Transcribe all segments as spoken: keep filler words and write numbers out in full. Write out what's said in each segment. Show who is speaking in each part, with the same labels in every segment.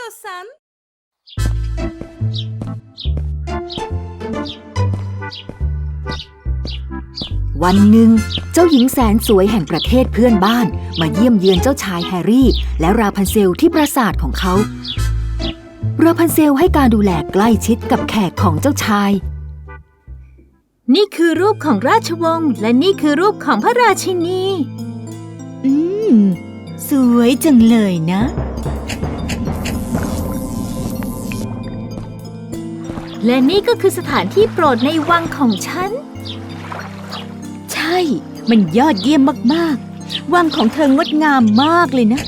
Speaker 1: さん
Speaker 2: วันหนึ่งเจ้าหญิงแสนสวยแห่งประเทศเพื่อนบ้านมาเยี่ยมเยือนเจ้าชายแฮร์รี่และราพันเซลที่ปราสาทของเขาราพันเซลให้การดูแลใกล้ชิดกับแขกของเจ้าชาย
Speaker 3: นี่คือรูปของราชวงศ์และนี่คือรูปของพระราชินี
Speaker 4: อืมสวยจังเลยนะ
Speaker 3: และนี่ก็คือสถานที่โปรดในวังของฉัน
Speaker 4: ใช่มันยอดเยี่ยมมากๆวังของเธองดงามมากเลยนะ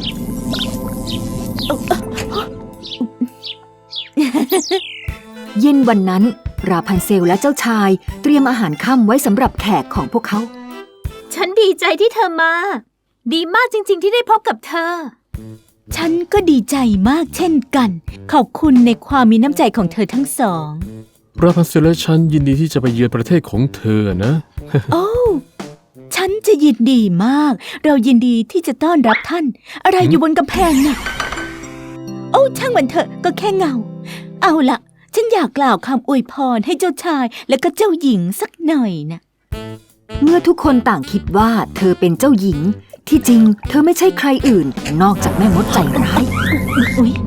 Speaker 2: เย็นวันนั้นราพันเซลและเจ้าชายเตรียมอาหารค่ำไว้สำหรับแขกของพวกเขา
Speaker 3: ฉันดีใจที่เธอมาดีมากจริงๆที่ได้พบกับเธอ
Speaker 4: ฉันก็ดีใจมากเช่นกันขอบคุณในความมีน้ำใจของเธอทั้งสอง
Speaker 5: ราพันเซลและฉันยินดีที่จะไปเยือนประเทศของเธอนะ
Speaker 4: โอ้ฉันจะยินดีมากเรายินดีที่จะต้อนรับท่านอะไรอยู่บนกำแพงน่ะโอ้ช่างมันเถอะก็แค่เงาเอาล่ะฉันอยากกล่าวคำอวยพรให้เจ้าชายและก็เจ้าหญิงสักหน่อยนะ
Speaker 2: เมื่อทุกคนต่างคิดว่าเธอเป็นเจ้าหญิงที่จริงเธอไม่ใช่ใครอื่นนอกจากแม่มดใจร้าย
Speaker 4: อุ๊ย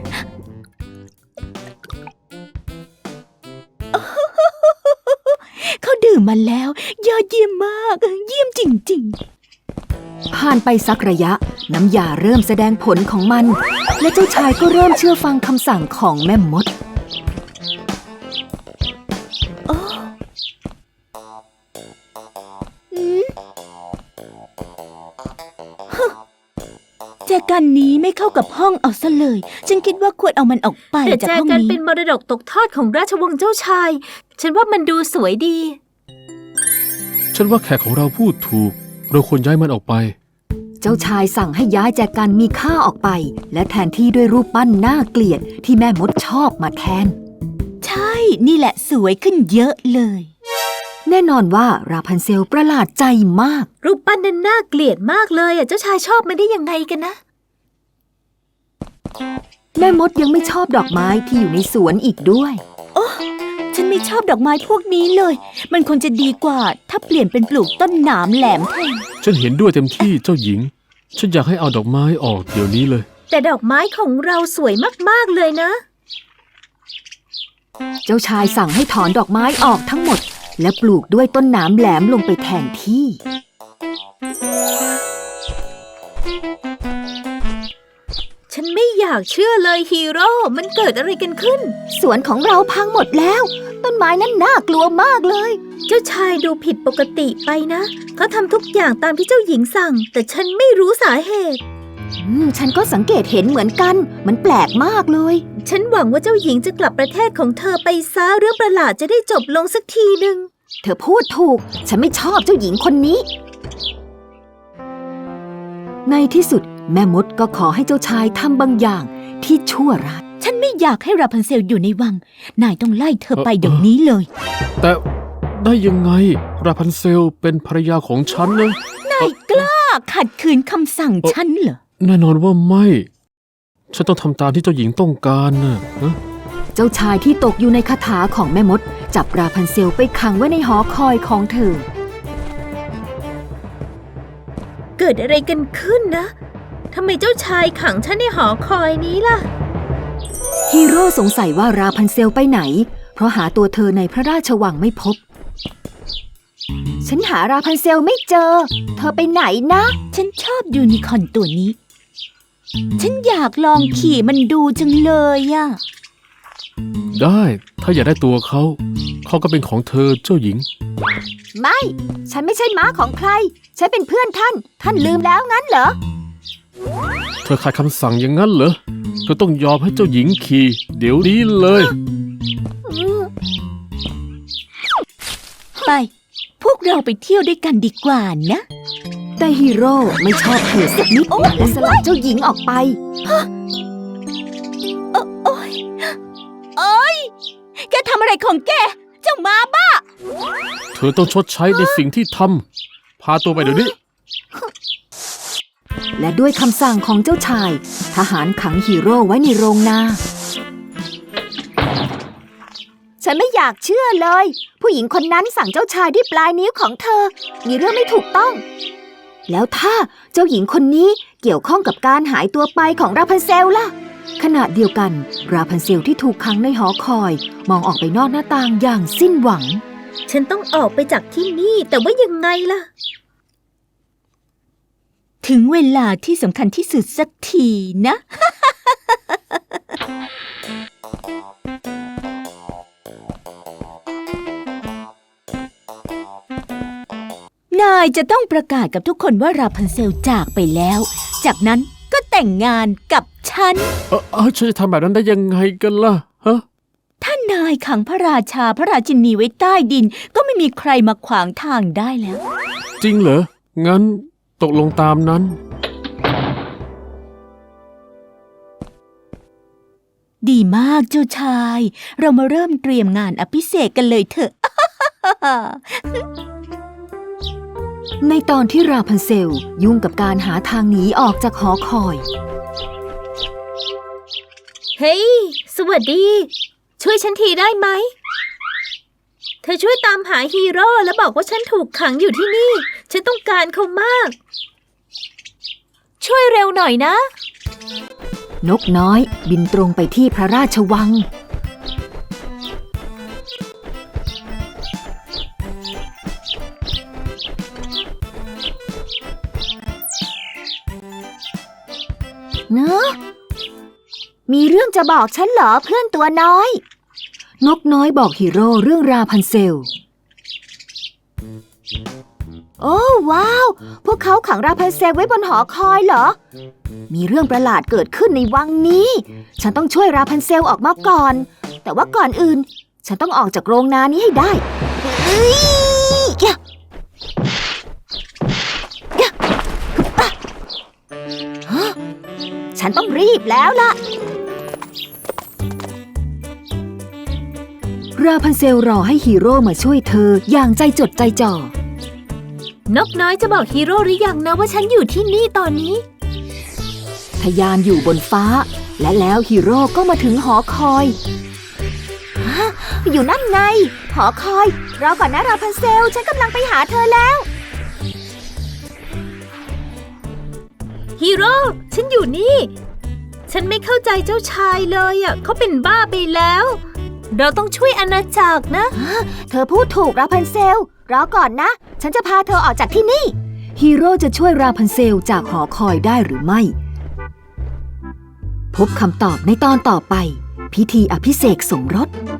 Speaker 4: เขาดื่มมาแล้วยอดเยี่ยมมากเยี่ยมจริง
Speaker 2: ๆผ่านไปสักระยะน้ำยาเริ่มแสดงผลของมันและเจ้าชายก็เริ่มเชื่อฟังคำสั่งของแม่มด
Speaker 4: แจกันนี้ไม่เข้ากับห้องเอาซะเลยฉันคิดว่าควรเอามันออกไปจากห้องนี้
Speaker 3: แต่แจกันเป็นมรดกตกทอดของราชวงศ์เจ้าชายฉันว่ามันดูสวยดี
Speaker 5: ฉันว่าแขกของเราพูดถูกเราควรย้ายมันออกไป
Speaker 2: เจ้าชายสั่งให้ย้ายแจกันมีค่าออกไปและแทนที่ด้วยรูปปั้นน่าเกลียดที่แม่มดชอบมาแทน
Speaker 4: ใช่นี่แหละสวยขึ้นเยอะเลย
Speaker 2: แน่นอนว่าราพันเซลประหลาดใจมาก
Speaker 3: รูปปั้นนั้นน่าเกลียดมากเลยอ่ะเจ้าชายชอบมันได้ยังไงกันนะ
Speaker 2: แม่มดยังไม่ชอบดอกไม้ที่อยู่ในสวนอีกด้วย
Speaker 4: โอ้ฉันไม่ชอบดอกไม้พวกนี้เลยมันคงจะดีกว่าถ้าเปลี่ยนเป็นปลูกต้นหนามแหลมแทน
Speaker 5: ฉันเห็นด้วยเต็มที่เจ้าหญิงฉันอยากให้เอาดอกไม้ออกเดี๋ยวนี้เลย
Speaker 3: แต่ดอกไม้ของเราสวยมากๆเลยนะ
Speaker 2: เจ้าชายสั่งให้ถอนดอกไม้ออกทั้งหมดและปลูกด้วยต้นหนามแหลมลงไปแทนที่
Speaker 3: ฉันไม่อยากเชื่อเลยฮีโร่มันเกิดอะไรกันขึ้น
Speaker 2: สวนของเราพังหมดแล้วต้นไม้นั้นน่ากลัวมากเลย
Speaker 3: เจ้าชายดูผิดปกติไปนะเขาทำทุกอย่างตามที่เจ้าหญิงสั่งแต่ฉันไม่รู้สาเหตุ
Speaker 2: อืมฉันก็สังเกตเห็นเหมือนกันมันแปลกมากเลย
Speaker 3: ฉันหวังว่าเจ้าหญิงจะกลับประเทศของเธอไปซะเรื่องประหลาดจะได้จบลงสักทีนึง
Speaker 2: เธอพูดถูกฉันไม่ชอบเจ้าหญิงคนนี้ในที่สุดแม่มดก็ขอให้เจ้าชายทำบางอย่างที่ชั่วร้าย
Speaker 4: ฉันไม่อยากให้ราพันเซลอยู่ในวังนายต้องไล่เธอไปเดี๋ยวนี้เลย
Speaker 5: แต่ได้ยังไงราพันเซลเป็นภรรยาของฉันนะ
Speaker 4: นายกล้าขัดขืนคำสั่งฉันเหรอ
Speaker 5: แน่นอนว่าไม่ฉันต้องทำตามที่เจ้าหญิงต้องการนะ
Speaker 2: เจ้าชายที่ตกอยู่ในคาถาของแม่มดจับราพันเซลไปขังไว้ในหอคอยของเธอ
Speaker 3: เกิดอะไรกันขึ้นนะทำไมเจ้าชายขังฉันในหอคอยนี้ล่ะ
Speaker 2: ฮีโร่สงสัยว่าราพันเซลไปไหนเพราะหาตัวเธอในพระราชวังไม่พบฉันหาราพันเซลไม่เจอเธอไปไหนนะ
Speaker 4: ฉันชอบยูนิคอร์นตัวนี้ฉันอยากลองขี่มันดูจังเลยอะ
Speaker 5: ได้ถ้าอยากได้ตัวเขาเขาก็เป็นของเธอเจ้าหญิง
Speaker 2: ไม่ฉันไม่ใช่ม้าของใครฉันเป็นเพื่อนท่านท่านลืมแล้วงั้นเหรอ
Speaker 5: เธอขาดคำสั่งอย่างนั้นเหรอเธอต้องยอมให้เจ้าหญิงขี่เดี๋ยวนี้เลย
Speaker 4: ไปพวกเราไปเที่ยวด้วยกันดีกว่านะ
Speaker 2: แต่ฮีโร่ไม่ชอบเธอสักนิดและสลัดเจ้าหญิงออกไป
Speaker 4: โอ๊ยโอ๊ยแกทำอะไรของแกเจ้าม้าบ้า
Speaker 5: เธอต้องชดใช้ในสิ่งที่ทำพาตัวไปเดี๋ยวนี้
Speaker 2: และด้วยคำสั่งของเจ้าชายทหารขังฮีโร่ไว้ในโรงนาฉันไม่อยากเชื่อเลยผู้หญิงคนนั้นสั่งเจ้าชายด้วยปลายนิ้วของเธอมีเรื่องไม่ถูกต้องแล้วถ้าเจ้าหญิงคนนี้เกี่ยวข้องกับการหายตัวไปของราพันเซลล่ะขณะเดียวกันราพันเซลที่ถูกขังในหอคอยมองออกไปนอกหน้าต่างอย่างสิ้นหวัง
Speaker 3: ฉันต้องออกไปจากที่นี่แต่ว่ายังไงล่ะ
Speaker 4: ถึงเวลาที่สำคัญที่สุดสักทีนะ นายจะต้องประกาศกับทุกคนว่าราพันเซลจากไปแล้วจากนั้นก็แต่งงานกับฉัน
Speaker 5: เออเออฉันจะทำแบบนั้นได้ยังไงกันล่ะฮะ
Speaker 4: ถ้านายขังพระราชาพระราชินีไว้ใต้ดินก็ไม่มีใครมาขวางทางได้แล้ว
Speaker 5: จริงเหรองั้นตกลงตามนั้น
Speaker 4: ดีมากเจ้าชายเรามาเริ่มเตรียมงานอภิเษกกันเลยเถอะ
Speaker 2: ในตอนที่ราพันเซลยุ่งกับการหาทางหนีออกจากหอคอย
Speaker 3: เฮ้ย hey, สวัสดีช่วยฉันทีได้ไหมเธอช่วยตามหาฮีโร่แล้วบอกว่าฉันถูกขังอยู่ที่นี่ฉันต้องการเขามากช่วยเร็วหน่อยนะ
Speaker 2: นกน้อยบินตรงไปที่พระราชวังเนอะมีเรื่องจะบอกฉันเหรอเพื่อนตัวน้อยนกน้อยบอกฮีโร่เรื่องราพันเซลโอ้ว้าวพวกเขาขังราพันเซลไว้บนหอคอยเหรอมีเรื่องประหลาดเกิดขึ้นในวังนี้ฉันต้องช่วยราพันเซลออกมาก่อนแต่ว่าก่อนอื่นฉันต้องออกจากโรงนานี้ให้ได้เฮ้ยฉันต้องรีบแล้วล่ะราพันเซลรอให้ฮีโร่มาช่วยเธออย่างใจจดใจจ่อน
Speaker 3: กน้อยจะบอกฮีโร่หรือยังนะว่าฉันอยู่ที่นี่ตอนนี้
Speaker 2: ทะยานอยู่บนฟ้าและแล้วฮีโร่ก็มาถึงหอคอยอยู่นั่นไงหอคอยรอก่อนนะราพันเซลฉันกำลังไปหาเธอแล้ว
Speaker 3: ฮีโร่ฉันอยู่นี่ฉันไม่เข้าใจเจ้าชายเลยอ่ะเขาเป็นบ้าไปแล้วเราต้องช่วยอาณาจักรนะ
Speaker 2: เธอพูดถูกราพันเซลรอก่อนนะฉันจะพาเธอออกจากที่นี่ฮีโร่จะช่วยราพันเซลจากหอคอยได้หรือไม่พบคำตอบในตอนต่อไปพิธีอภิเษกสมรส